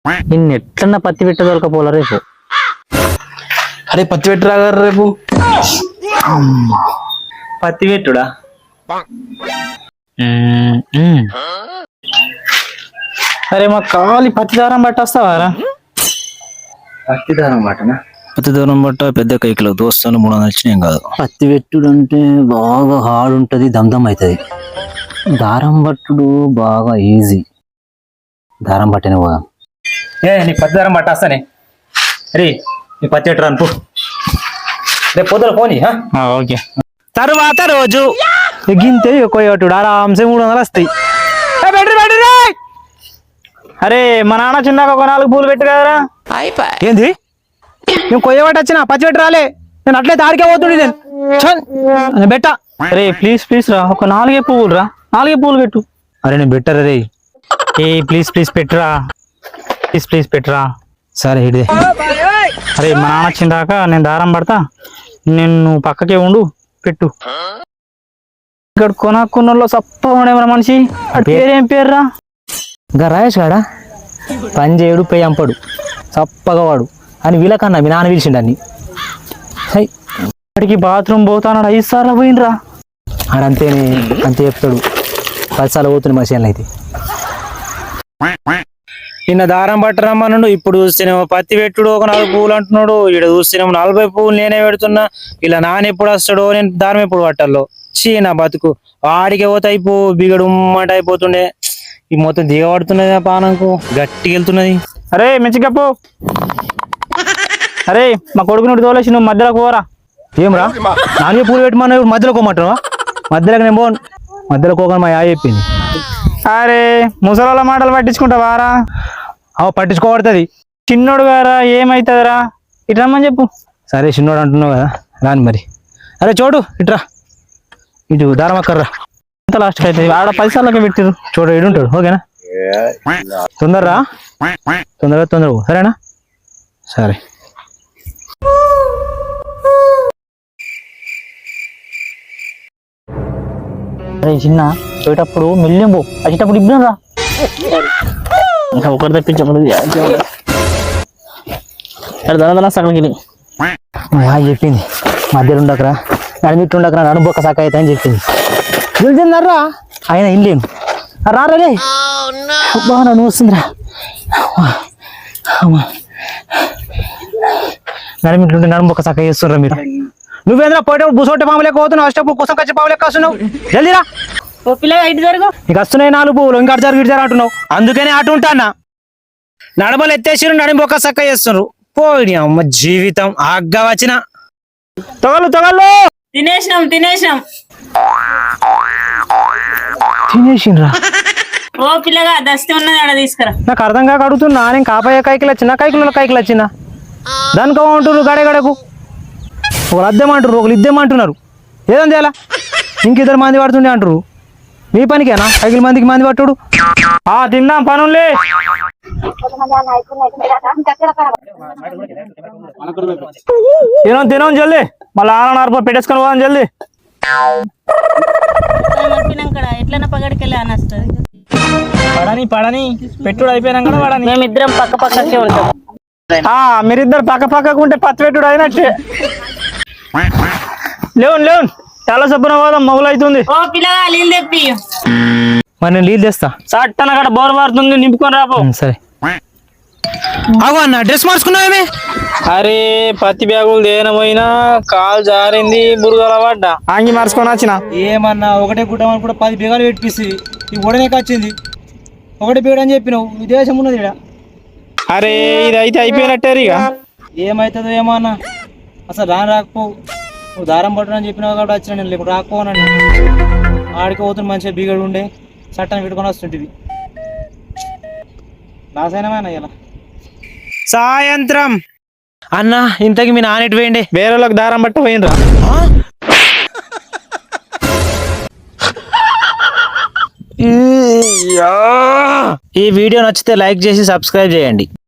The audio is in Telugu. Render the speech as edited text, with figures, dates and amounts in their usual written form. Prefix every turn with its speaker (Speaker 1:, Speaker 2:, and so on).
Speaker 1: నిన్ను ఎట్లన్నా పత్తి పెట్ట దొరకపోలే రేపు.
Speaker 2: అరే పత్తి పెట్టురా రేపు.
Speaker 1: పత్తి పెట్టుడా? అరే మా కావాలి పత్తి దారం పట్టొస్తావారా?
Speaker 2: పత్తి దారం బట్టనా?
Speaker 3: పత్తి దూరం బట్ట పెద్ద కైకిలో దోస్తాను 300 ఇచ్చినాం కాదు.
Speaker 1: పత్తి పెట్టుడు అంటే బాగా హార్డ్ ఉంటది, దమ్దమ్ అవుతుంది. దారం పట్టుడు బాగా ఈజీ. దారం పట్టిన పోదాం.
Speaker 2: నీ పత్తి దారం పట్టేస్తానే. రే నీ పత్తి పెట్టురా అనుకో. రేపు పొద్దున పోనీ.
Speaker 1: ఓకే. తరువాత రోజు గింతే కొయ్యట్టుడు ఆరాంసే 300 వస్తాయి. అరే మా నాన్న చిన్నాక ఒక 4 పూలు పెట్టు కదరా.
Speaker 2: ఏంది నేను కొయ్యబట్టి వచ్చిన పత్తి పెట్టి రాలే. నేను అట్లయితే ఆడికే పోతుండే నేను బెట్ట.
Speaker 1: అరే ప్లీజ్ ప్లీజ్ రా, ఒక 4 పువ్వులు రా, 4 పువ్వులు పెట్టు.
Speaker 2: అరే నేను బెట్టరా రే.
Speaker 1: ప్లీజ్ ప్లీజ్ పెట్టురా, ప్లీజ్ పెట్టురా.
Speaker 2: సరే ఇదే.
Speaker 1: అరే మా నాన్న వచ్చిందాక నేను దారం పడతా, నేను పక్కకే ఉండు, పెట్టు. ఇక్కడ కొనుక్కున్నోళ్ళు సప్ప ఉండేమరా మనిషి. పేరేం పేర్రా?
Speaker 2: ఇంకా రాయేష్ కాడా పని చేయడు, పెయ్యి అంపడు, చప్పగా వాడు అని వీళ్ళకన్నా మీ నాన్న పిలిచిండు అన్ని.
Speaker 1: అక్కడికి బాత్రూమ్ పోతాడు 5 సార్లు పోయినరా.
Speaker 2: ఆడంతేనే, అంతే చెప్తాడు. 10 సార్లు పోతుంది మసీన్లు అయితే. నిన్న దారం పట్టరమ్మన్నాడు, ఇప్పుడు చూస్తేనేమో పత్తి పెట్టుడు ఒక 4 పువ్వులు అంటున్నాడు. ఇక్కడ చూస్తేనేమో 40 పువ్వులు నేనే పెడుతున్నా. ఇలా నాన్న ఎప్పుడు వస్తాడో, నేను దారం ఎప్పుడు పట్టాలో. చీ నా బతుకు. ఆడికి పోతే అయిపో బిగడు ఉమ్మట అయిపోతుండే. ఈ మొత్తం దిగబడుతున్నది ఆ పానంకు, గట్టిగా వెళ్తున్నది.
Speaker 1: అరే మెచ్చికప్పు. అరే మా కొడుకు నుండి తోలేసి నువ్వు మధ్యలోకి పోరా.
Speaker 2: ఏమరా నాన్న పూలు పెట్టమన్నా ఇప్పుడు మధ్యలో కోమంటావా? మధ్యలోకి నేను పోను. మధ్యలో కోకని మా చెప్పింది.
Speaker 1: అరే ముసలోళ్ళ మాటలు పట్టించుకుంటావారా?
Speaker 2: పట్టించుకోబడుతుంది.
Speaker 1: చిన్నోడు గారా ఏమైతుందిరా, ఇటు రమ్మని చెప్పు.
Speaker 2: సరే చిన్నోడు అంటున్నావు కదా, రాని మరి. అరే చోటు ఇట్రా, ఇటు దారం అక్కర్రా.
Speaker 1: ఎంత లాస్ట్ అవుతుంది? ఆడ 10 సార్లకే పెట్టిరు.
Speaker 2: చూడు ఇడుంటాడు. ఓకేనా? తొందరరా, తొందరగా సరేనా? సరే.
Speaker 1: అరే చిన్న పోయేటప్పుడు మెల్లిం పో, వచ్చేటప్పుడు ఇబ్బంది రా. ఇంకా ఒకటి తప్పించకూడదు. దన సగం
Speaker 2: చెప్పింది మధ్యలో ఉండకరా, నడిమిట్టు ఉండకరా, నడుబొక్క సక్క అయితే అని చెప్పింది. వెళ్తున్నారా ఆయన ఇల్లేను రారే. బాగా నన్ను వస్తుందిరా. నడిమిట్లుంటే నడుబొక్క సక్క చేస్తున్నారా మీరు? నువ్వేంద్రా పోయేటప్పుడు బుసోటి పాము లెక్క పోతున్నావు, వచ్చేటప్పుడు కోసం కచ్చి పాము లెక్క వస్తున్నావు. జల్దీరా. నీకు వస్తున్నాయి 4 పువ్వులు, ఇంకా అటు జరుగు ఇటు జరు అంటున్నావు. అందుకనే అటు ఉంటానా. నడమలు ఎత్తేసిరు, నడిబొక్క సక్క చేస్తున్నారు. పోయి అమ్మ జీవితం ఆగ్గా వచ్చిన.
Speaker 1: తొగలు
Speaker 2: తినేసిండ్రా.
Speaker 4: ఓ పిల్లగా దస్తి ఉన్నది ఆడ తీసుకురా.
Speaker 2: నాకు అర్థం కాక అడుగుతున్నా. నేను కాపాయ కైకిలు వచ్చిన, కైకిలు వచ్చిన దానికి అంటున్నారు. గడగడకు ఒకరు అద్దెమంటారు, ఒకరు ఇద్దేమంటున్నారు. ఏదంది అలా ఇంకిద్దరు మంది పడుతుండే అంటారు. మీ పనికేనా కైకిల మందికి మంది పట్టుడు?
Speaker 1: తిందాం పనులే. తినం జల్దీ, మళ్ళీ ఆన పెట్టేసుకొని పోదాం జల్దీ.
Speaker 4: ఎట్లన్నా పగడికెళ్ళి అని వస్తుంది.
Speaker 1: పడని పెట్టుడు అయిపోయినా కూడా పడని.
Speaker 4: మేమిద్దరం పక్క పక్కకే ఉంటాం.
Speaker 1: మీరిద్దరు పక్క పక్కకు ఉంటే పత్తి పెట్టుడు అయినట్టే. లేవు చాలా సబ్బున పోదాం, మొగలు అవుతుంది.
Speaker 4: ఓ పిల్లగా నీళ్ళు తెప్పి.
Speaker 2: మరి నేను నీళ్ళు తెస్తా.
Speaker 1: సట్టన అక్కడ బోర్ మారుతుంది, నింపుకొని రాపో.
Speaker 2: సరే. అగో అన్న డ్రెస్ మార్చుకున్నావేమే?
Speaker 1: అరే పత్తి బ్యాగులు దేనమైనా కాలు జారింది, బురదల పడ్డా, ఆంగి మార్చుకొని వచ్చిన.
Speaker 2: ఏమన్నా ఒకటే గుడ్డమని కూడా 10 బీగాలు పెట్టిసి ఈ ఉడనే వచ్చింది. ఒకటి బీగడు అని చెప్పినావు. విదేశం ఉన్నది ఇక్కడ.
Speaker 1: అరే ఇది అయితే అయిపోయినట్టే ఇక.
Speaker 2: ఏమవుతుందో ఏమో అన్న. అసలు రాకపోవు. నువ్వు దారం పట్టునని చెప్పినావు కాబట్టి వచ్చిన. నేను లేకుండా రాకపోనండి. ఆడికి పోతున్న మంచిగా బీగడు ఉండే చట్టాన్ని పెట్టుకొని వస్తుంటివి. లాస్ అయినా ఇలా సాయంత్రం అన్న. ఇంతకి మీ నాన్నెటు పోయిండే?
Speaker 1: వేరేలోకి దారం పట్ట పోయినరా.
Speaker 2: ఈ వీడియో నచ్చితే లైక్ చేసి సబ్స్క్రైబ్ చేయండి.